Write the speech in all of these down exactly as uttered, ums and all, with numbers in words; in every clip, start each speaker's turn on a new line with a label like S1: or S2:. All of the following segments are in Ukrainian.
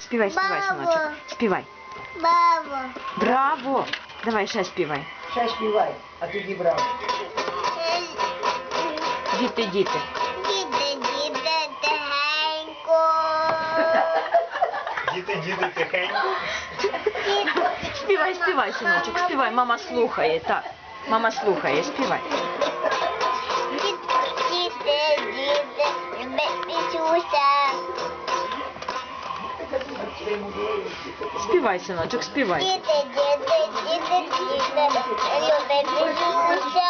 S1: Співай, співай, синочок. Співай.
S2: Браво.
S1: Браво! Давай ще співай.
S3: Ще співай, а тоді браво.
S1: Діти, діти.
S2: Діти, діти, тихенько.
S4: Діти, діти, тихенько.
S1: Співай, співай, синочок, співай. Мама слухає, так. Мама слухає, співай.
S2: Діти, діти, любить Ісуса.
S1: Співай, синочок, співай.
S2: Діти, діти, діти, діти, любить Ісуса.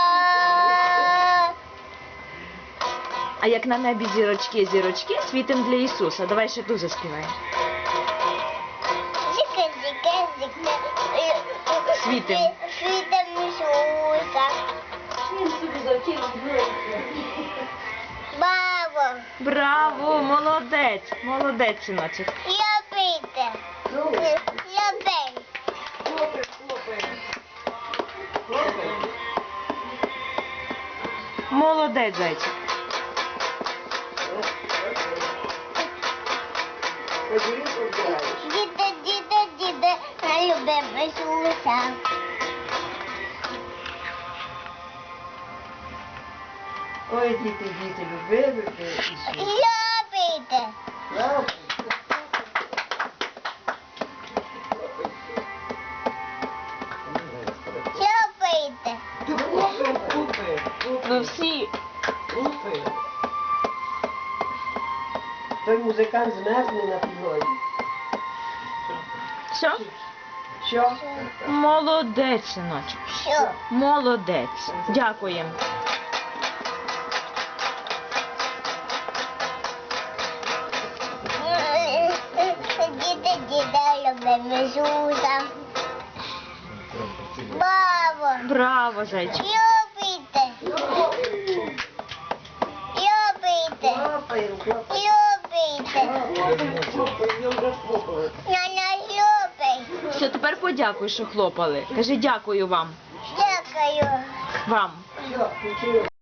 S1: А як на небі зірочки, зірочки, світим для Ісуса. Давай ще ту заспіваємо.
S2: Зіка, зіка, зіка.
S1: Світим.
S2: Світим Ісуса. Браво.
S1: Браво, молодець, молодець, синочок.
S2: Любите. Любить.
S1: Молодець, зайчик.
S2: Діти, діти, діти, любимо Ісуса.
S3: Ой, діти, діти, любили ви Ісуса.
S2: Любите.
S3: Браво.
S2: Любите.
S3: Купи, купи,
S1: Ну
S3: купи,
S1: всі.
S3: купи. Той музикант змерзне на підлозі.
S1: Все?
S3: Що?
S1: Молодець, синочок.
S2: Що?
S1: Молодець. Дякуємо.
S2: Діти, діти, любимо Ісуса. Браво.
S1: Браво, зайчик.
S2: Любите. Любите.
S3: Хлопай, хлопай.
S2: Любите.
S3: Хлопай, я вже хлопаю.
S2: Няня любить.
S1: Все, тепер подякуй, що хлопали. Кажи дякую вам.
S2: Дякую.
S1: Вам.
S3: Все, включили.